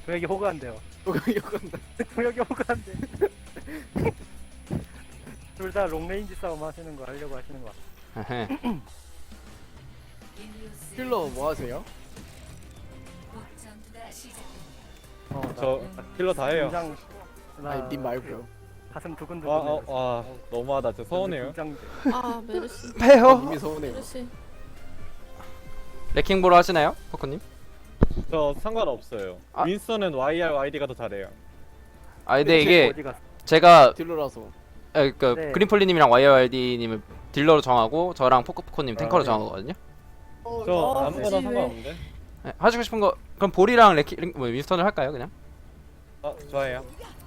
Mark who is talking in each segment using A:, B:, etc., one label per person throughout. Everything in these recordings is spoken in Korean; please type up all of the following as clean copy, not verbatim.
A: 여기 호그한대요. 여기 호그한대. 둘 다 롱레인지 싸움 하시는 거 하려고 하시는 거.
B: 에헤.
C: 힐러 뭐 하세요?
D: 저 힐러 다 해요.
A: 긴장.
C: 아니 님 말고요.
A: 가슴 두근두근.
D: 와 너무하다. 저 서운해요.
A: 긴장.
E: 아 메르시
B: 빼요.
C: 님이 서운해요.
E: 메르시
B: 레킹 보러 하시나요? 포커님?
D: 저 상관없어요.
B: 아.
D: 윈스턴은 YR, YD가 더 잘해요.
B: 아 근데 이게
A: 어디 갔어?
B: 제가
C: 딜러라서.
B: 그
A: 네.
B: 그린폴리님이랑 YYD님을 딜러로 정하고 저랑 포커님 탱커로
D: 네.
B: 정하거든요.
D: 저 아무거나
E: 그치, 왜?
D: 상관없는데.
B: 네, 하시고 싶은 거 그럼 볼이랑 뭐 윈스턴을 할까요 그냥?
D: 좋아해요.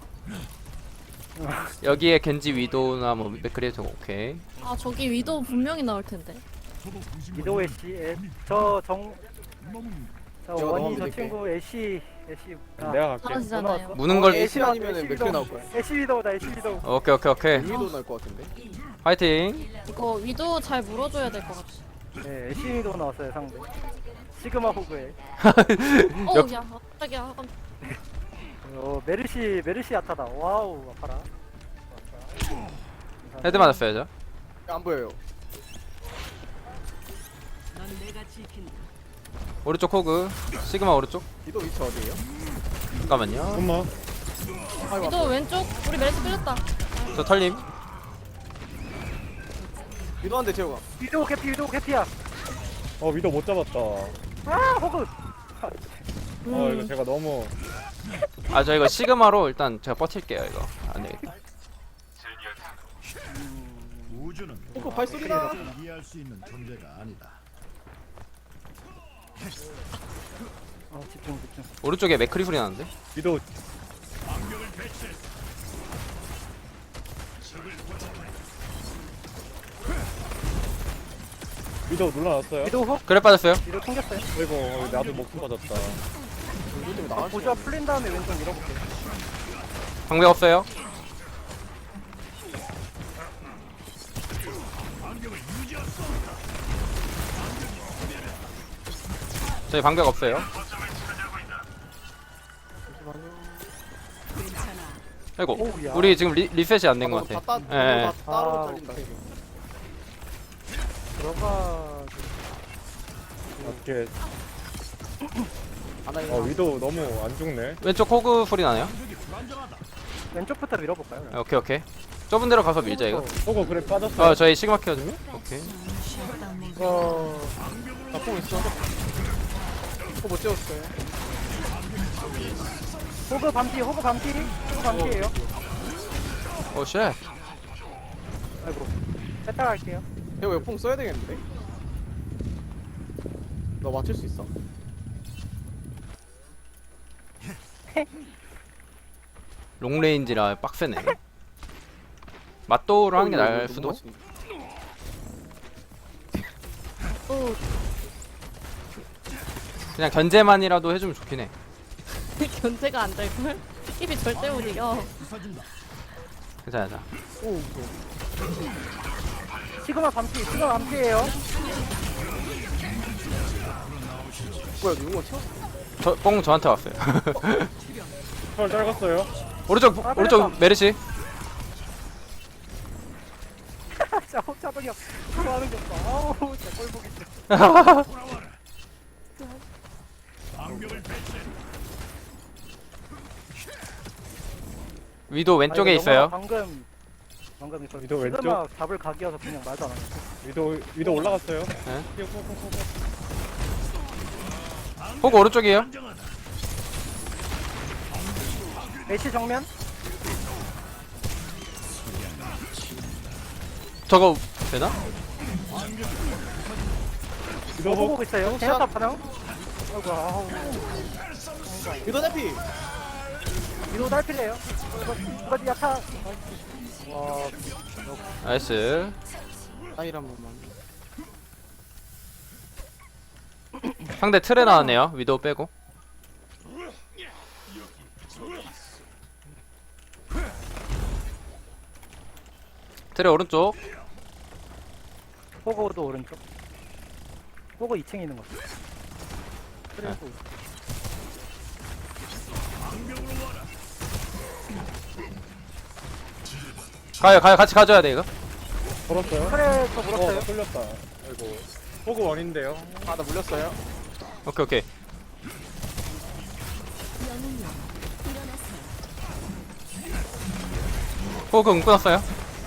B: 여기에 겐지 위도나 뭐 맥크리 저거 오케이.
E: 아 저기 위도 분명히 나올 텐데.
A: 이도 애쉬. 저
C: 제가
A: 원희 저
C: 넣어드릴게요.
A: 친구 애쉬.
D: 내가 갈게.
E: 잘하시잖아요.
B: 무는 걸
C: 애쉬 아니면 맥클 나올 거야.
A: 애쉬 위도우다 애쉬 위도우.
B: 오케이.
C: 위도 나올 것 같은데.
B: 화이팅.
E: 이거 위도 잘 물어줘야 될 것 같아.
A: 네 애쉬 위도우 나왔어요 상대. 시그마 호그에.
E: 야 갑자기야.
A: 메르시 아타다. 와우 아파라.
B: 헤드 맞았어요 저.
C: 안 보여요.
B: 오른쪽 호그 시그마 오른쪽.
C: 위도 위치 어디에요?
B: 잠깐만요.
D: 엄마.
E: 위도 왼쪽 우리 메르시 끌렸다.
B: 저 털림.
C: 위도 한대 재호가.
A: 위도우 캐피야.
D: 위도 못 잡았다.
A: 아 호그.
D: 이거 제가 너무
B: 아 저 이거 시그마로 일단 제가 버틸게요 이거. 안 되겠다.
F: 우주는
C: 어 발소리다.
F: 이해할 수 있는 존재가 아니다.
A: 집중.
B: 오른쪽에 맥크리 소리 나는데.
D: 위도 위도 눌러놨어요.
A: 위도우 호
B: 그래 빠졌어요.
A: 위도우 튕겼어요.
D: 아이고 나도 목숨 빠졌다.
C: 위도 때문에 나갈 수
A: 보조와 풀린 다음에 왼쪽 밀어볼게.
B: 방벽 없어요. 저희 방벽 없어요. 아이고
A: 오우야.
B: 우리 지금 리셋이 안 된 것 같아.
C: 다
B: 예.
C: 따로
A: 아,
C: 잘린다. 지금.
A: 들어가.
D: 어떻게
C: 하나
D: 위도 너무 안 죽네.
B: 왼쪽 호그 소리 나네요.
A: 왼쪽부터 밀어볼까요? 그럼?
B: 오케이. 좁은 데로 가서 밀자 이거.
D: 그래 빠졌어.
B: 저희 시그마 키거든요. 오케이.
C: 나뽕 있어. 못 재웠어요.
A: 호그 반피예요.
B: 오 쉣.
A: 아이고. 세타 갈게요.
C: 이거 왜뽕 써야 되겠는데? 너 맞출 수 있어?
B: 롱레인지라 빡세네. 맞도로 하는 게 나을
C: 너무
B: 수도.
C: 맞추는데.
E: 오
B: 그냥 견제만이라도 해주면 좋긴 해.
E: 견제가 안 될 걸. 힙이 절대 못 이겨.
B: 괜찮아.
C: 오 무서워.
A: 시그마 반피예요.
C: 뭐야 누구 쳐?
B: 저뽕 저한테 왔어요.
D: 털 짧았어요.
B: 오른쪽 메르시.
A: 자, 호차동이 형. 그거 하는 거 봐. 아우, 진짜 꼴보기 싫어.
B: 위도 왼쪽에
A: 아니,
B: 있어요.
A: 방금 이거
D: 위도 왼쪽?
A: 시그마 잡을 각이어서 그냥 말도 안 하네.
D: 위도 올라갔어요.
B: 호그 오른쪽이에요.
A: 애쉬 정면?
B: 저거 되나?
D: 위도
A: 보고 있어요. 제나타 반응? 아이고, 아우.
C: 위도 대피.
A: 위도 달필이에요. 이거 야타. 와,
B: 나이스.
C: 아일 한 번만.
B: 상대 틀에 나왔네요. 위도우 빼고. 틀에 오른쪽.
A: 호그도 오른쪽. 호그 2층에 있는 거. 그래,
B: 가요 같이 가져야 돼 이거.
D: 걸었어요?
A: 그래 저
D: 나
A: 물었어요.
D: 뚫렸다. 아이고. 호그 원인데요.
C: 아 나 물렸어요.
B: 오케이. 호그 응 끊었어요.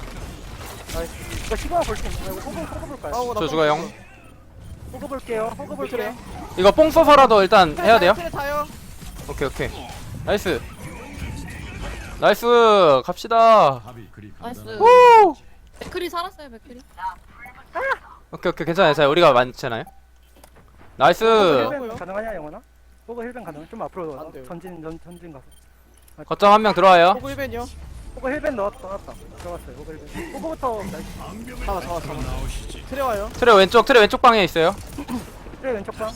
A: 이거 시그마 볼수 있나요? 이거 호그 볼까요?
C: 아우 나
B: 저 죽어요.
A: 호그 볼게요. 호그 볼게요.
B: 이거 뽕 써서라도 일단 해야 돼요.
C: 트레 타요.
B: 오케이. 나이스 갑시다.
F: 합이 그리
E: 나이스.
F: 간단한
B: 오!
E: 맥크리 살았어요 맥크리.
B: 오케이 괜찮아요. 자 우리가 많잖아요. 나이스.
A: 힐벤 가능하냐 영원아? 호그 힐벤 가능? 좀 앞으로
C: 안 돼요.
A: 전진 가서.
B: 거점 한 명 들어와요.
C: 호그 1벤이요.
A: 호그 힐벤 넣었다. 들어갔어요. 호그 힐벤. 호그부터
C: 잡아. 트레 와요.
B: 트레 왼쪽 방에 있어요.
A: 그래 왼쪽 방.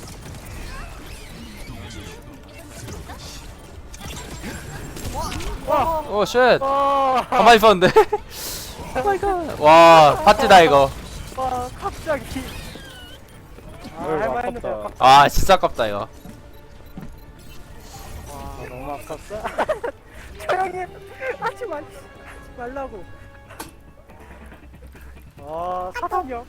B: 오 쉣.
A: 와,
B: 가만히 있었는데. 오마이갓. 와 파티다 이거.
A: 와 갑자기.
D: 어이구,
A: 할만했는데
D: 아깝다.
B: 아 진짜 아깝다 이거.
A: 와 너무 아깝다. 조용히 하지 말라고. 와 사단력.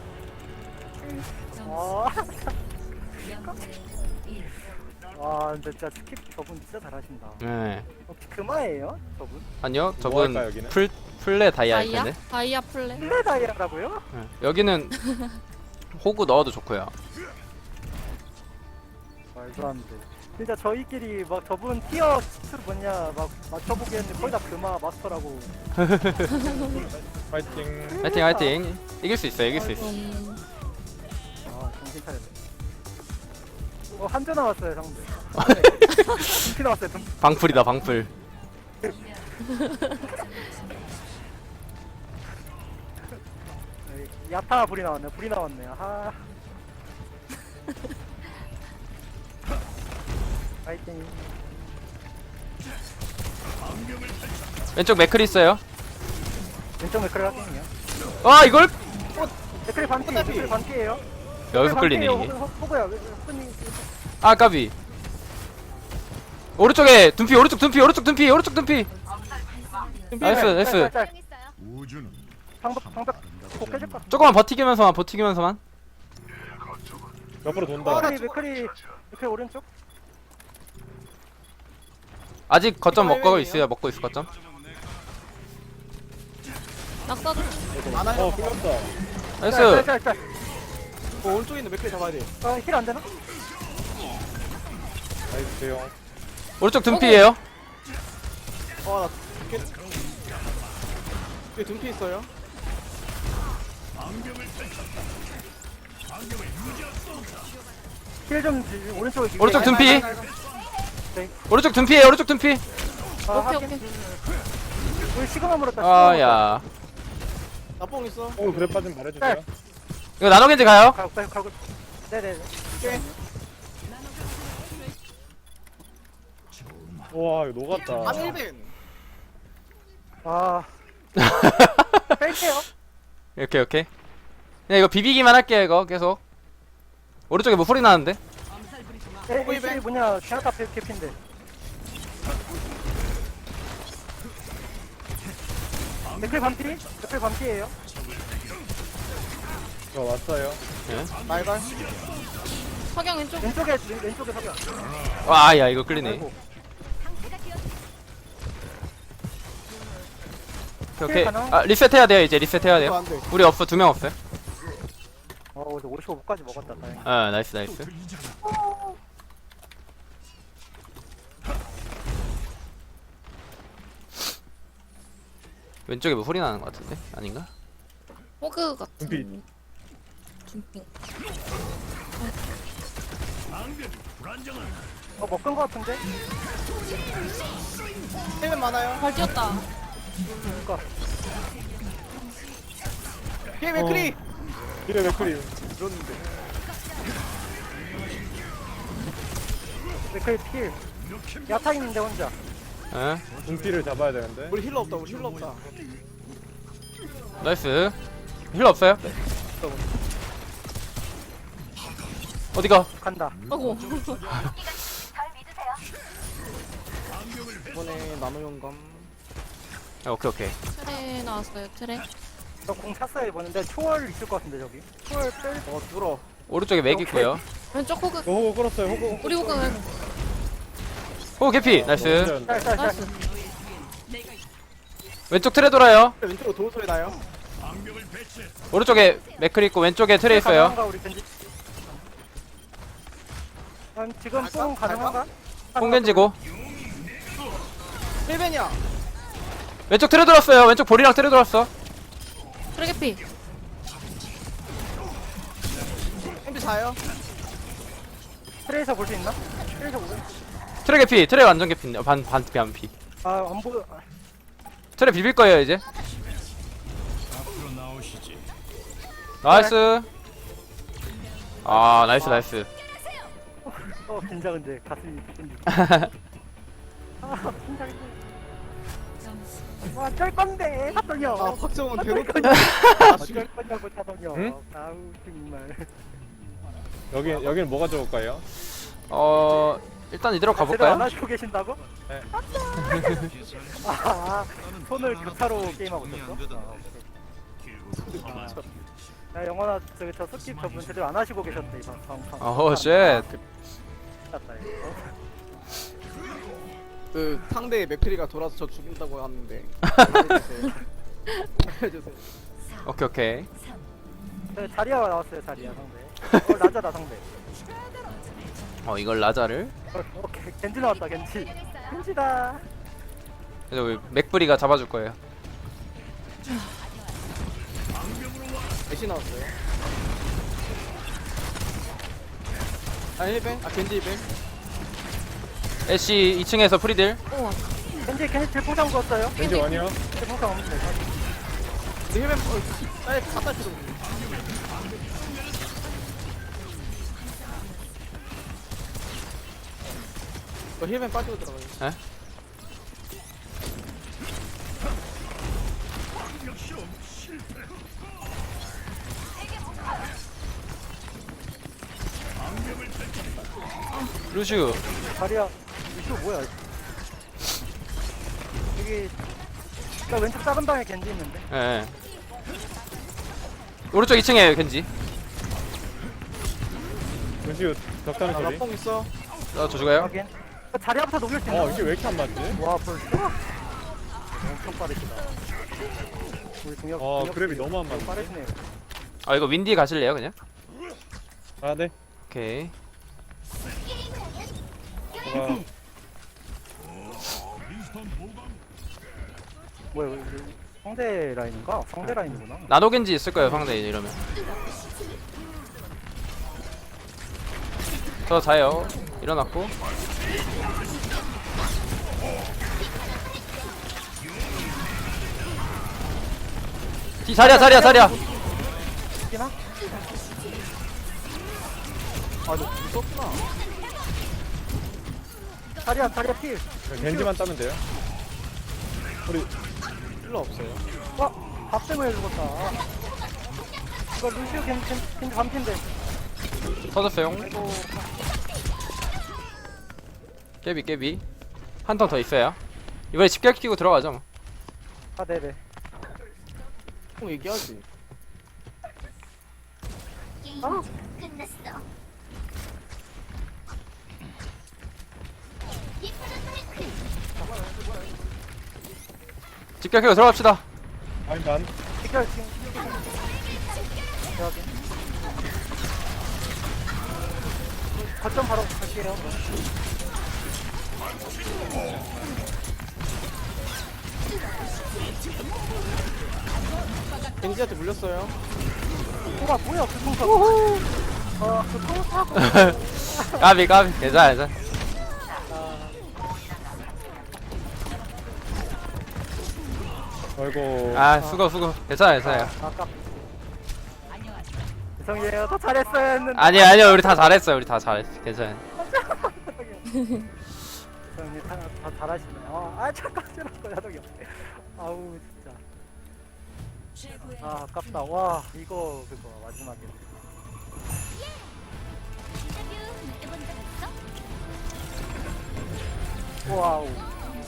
A: 와 진짜 스킵 저분 진짜 잘하신다.
B: 네.
A: 혹시 금화예요 저분?
B: 아니요
D: 뭐
B: 저분
D: 할까요, 여기는?
B: 플레 다이아일
E: 다이아?
B: 텐데.
E: 다이아 플레.
A: 플레다이아라고요?
B: 네. 여기는 호구 넣어도 좋고요.
A: 말도 안 돼. 진짜 저희끼리 막 저분 티어 스로 뭐냐 막 맞춰보기 했는데 거의 다 금화 마스터라고.
D: 파이팅.
B: 화이팅. 이길 수 있어.
A: 아 정신 차렸네. 한조 나왔어요 상대. dum피 나왔어요 dum피.
B: 방풀이다 방풀.
A: 야타 불이 나왔네. 불이 나왔네. 아. 파이팅.
B: 왼쪽 맥클 있어요.
A: 왼쪽 맥크리 하팅이요.
B: 아 이걸
A: 맥크리 반피. 맥크리 반피예요.
B: 여기서 끌리네 이게.
A: 호구야. 호구님.
B: 아 까비. 오른쪽에 둔피 오른쪽 둔피. 나이스.
F: 우주는
A: 방벽 꼭 깨질 것 같아.
B: 조금만 버티기면서만.
D: 옆으로 돈다.
A: 맥크리 오른쪽.
B: 아직 거점 먹고 있을 거점.
E: 낙사 조심.
C: 많아요.
D: 풀렸다.
B: 나이스.
A: 짤.
C: 오른쪽에 있는 맥크리 잡아야 돼.
A: 힐 안 되나?
D: 나이스 대용.
B: 오른쪽 둔피예요.
C: 나 여기 둠피 있어요.
A: 힐 좀 오른쪽에.
B: 오른쪽 둔피.
A: 네.
B: 오른쪽 둔피예요.
A: 아,
E: 오케이
A: 하긴.
E: 오케이.
A: 우리 시그마 물었다.
B: 아야.
C: 나뽕 있어.
D: 호그 그래 빠진 말해주세요.
B: 이거 나노겐지 가요.
A: 가고. 네네.
D: 와 이거 녹았다.
C: 아 1벤.
A: 아. 뺄게요.
B: 오케이. 그냥 이거 비비기만 할게요 이거 계속. 오른쪽에 뭐 소리 나는데?
A: 이 뭐냐 제나타 캡인데. 맥클 반피예요.
D: 저 왔어요.
C: 말갈.
E: 석양 왼쪽.
A: 왼쪽에 석양.
B: 와야 이거 끌리네.
A: 아이고.
B: 오케이. 아 리셋해야 돼요 이제 리셋해야 돼요.
C: 안 돼.
B: 우리 없어 2명 없어요.
A: 이제 55까지 먹었다. 다행히.
B: 아 나이스. 왼쪽에 뭐 소리 나는 것 같은데? 아닌가?
E: 호그 같은.
D: 둠피.
E: 둠피.
A: 먹은 거 같은데?
C: 1벤 많아요.
E: 발 뛰었다.
A: 그니까.
C: 뒤에 맥크리.
D: 이래 맥크리.
A: 맥클 필. 야타 있는데 혼자.
B: 에?
D: 분피를 잡아야 되는데.
C: 우리 힐러 없다.
B: 나이스. 힐러 없어요? 어디가?
A: 간다.
E: 아고.
C: 이번에 나노용감.
B: 오케이.
E: 트레 나왔어요, 트레.
A: 저공 찼어요 이번에. 초월 있을 것 같은데 저기. 초월 뺄.
C: 뚫어.
B: 오른쪽에 맥 있고요.
E: 왼쪽 호그.
D: 호구 끌었어요. 호구.
E: 우리 호그.
B: 오 개피 나이스.
A: 짤.
E: 나이스.
B: 왼쪽 트레 돌아요.
C: 왼쪽으로 도는 소리 나요.
B: 오른쪽에 맥클 있고 왼쪽에 트레 있어요.
A: 가능한가, 우리 겐지? 지금 뽕 가능한가?
B: 홍겐지고
C: 힐벤이야.
B: 왼쪽 트레 돌았어요. 왼쪽 볼이랑 트레 돌았어.
E: 트레 개피.
C: 햄비 자요.
A: 트레이서 볼 수 있나? 트레이서 보고.
B: 트레 개피. 트레 완전 개피. 반피.
A: 안 보여.
B: 트레 비빌 거예요 이제.
F: 앞으로 나오시지.
B: 나이스. 아 나이스.
A: 긴장인데 가슴이 겐지. 긴장인데. 쩔 건데 사돈이요.
C: 아 박정원 대놓고.
A: 쩔 거냐고 사돈이요.
D: 응?
A: 아우 정말.
D: 여기는 뭐가 좋을까요?
B: 일단 이대로
A: 제대로 안
B: 가볼까요?
A: 하시고 계신다고?
D: 네.
A: 손을 교차로 게임하고 있었어? 야 영원아 저기 저 스킵 저분 제대로 안 하시고 계셨대 이번 방.
B: 오 쉣.
A: 맞다 이거.
C: 그 상대 맥크리가 돌아서 저 죽인다고 하는데. 알려주세요.
B: 오케이.
A: 자리아가 나왔어요 자리아 상대. 라자다 상대.
B: 이걸 라자를.
A: 오케이 겐지 나왔다 겐지. 겐지다.
B: 그래서 우리 맥브리가 잡아줄 거예요.
C: 애쉬 나왔어요. 아 힐벤? 아 겐지 힐벤?
B: 애쉬 2층에서 프리딜.
E: 우와.
A: 겐지 질풍상 구웠어요.
D: 겐지 원이요?
A: 질풍상 없는데.
C: 근데 힐벤 빨리 갖다 주고. 힐벤 빠지고 들어가요.
B: 에? 루슈.
A: 자리아 이거 뭐야? 여기 나 왼쪽 작은 방에 겐지 있는데.
B: 예. 오른쪽 2층에 겐지.
D: 루시우 적당한 소리.
C: 나뽕 있어.
B: 저 죽어요.
A: 확인. 자리아부터 녹일 수 있나?
D: 이게 왜 이렇게 안 맞지?
A: 와 벌써? 엄청 빠르시다. 우리 동혁.
D: 그랩이 너무 안 맞네.
A: 빠르시네요.
B: 이거 윈디 가실래요 그냥?
D: 아, 네.
B: 오케이.
A: 뭐야 이거 상대 라인인가? 상대 라인이구나.
B: 나노 겐지 있을 거예요 상대 이러면. 저 자요. 일어났고. 자리야.
A: 있기나?
C: 아너 무섭구나.
A: 자리야 필.
D: 겐지만 따면 돼요. 우리
C: 필요 없어요.
A: 밥 때문에 죽었다. 이거 루시오 겐지 반핀데.
B: 터졌어요.
A: 아이고.
B: 깨비. 한 턴 더 있어요. 이번에 집결 키고 들어가죠 뭐.
A: 아 네네.
C: 뽕 얘기하지.
G: 끝났어.
B: 집결 키고 들어갑시다.
D: 아니 난
A: 직결 지금. 여기. 거점 바로 갈게요.
C: 겐지한테 물렸어요.
A: 뭐야 그 통사. 그 통사고.
B: 까비. 괜찮아.
D: 아이고.
B: 수고. 괜찮아요.
A: 아까. 죄송해요. 더 잘했어야 했는데.
B: 아니요. 우리 다 잘했어요. 괜찮아요.
A: 형님 다 잘하시네. 잠깐 싫었어요 형이. 아우 진짜. 아깝다. 와 이거 그거 마지막에.
G: 인터뷰 해본 적 있어?
A: 와우.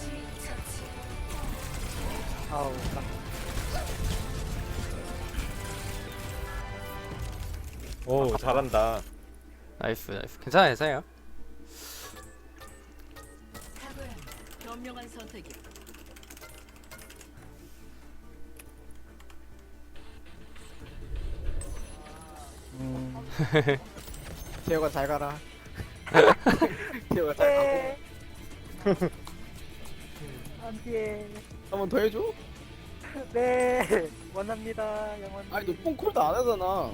C: 아우
D: 오 잘한다.
B: 나이스 나이스. 괜찮아요 괜찮아요.
E: 현명한 선택이.
C: 재호가 잘 가라 재호가 잘
A: 네.
C: 가고
A: 안돼.
C: 한 번 더 해줘?
A: 네. 원합니다. 영원.
C: 아니 너 뽕콜도 안 하잖아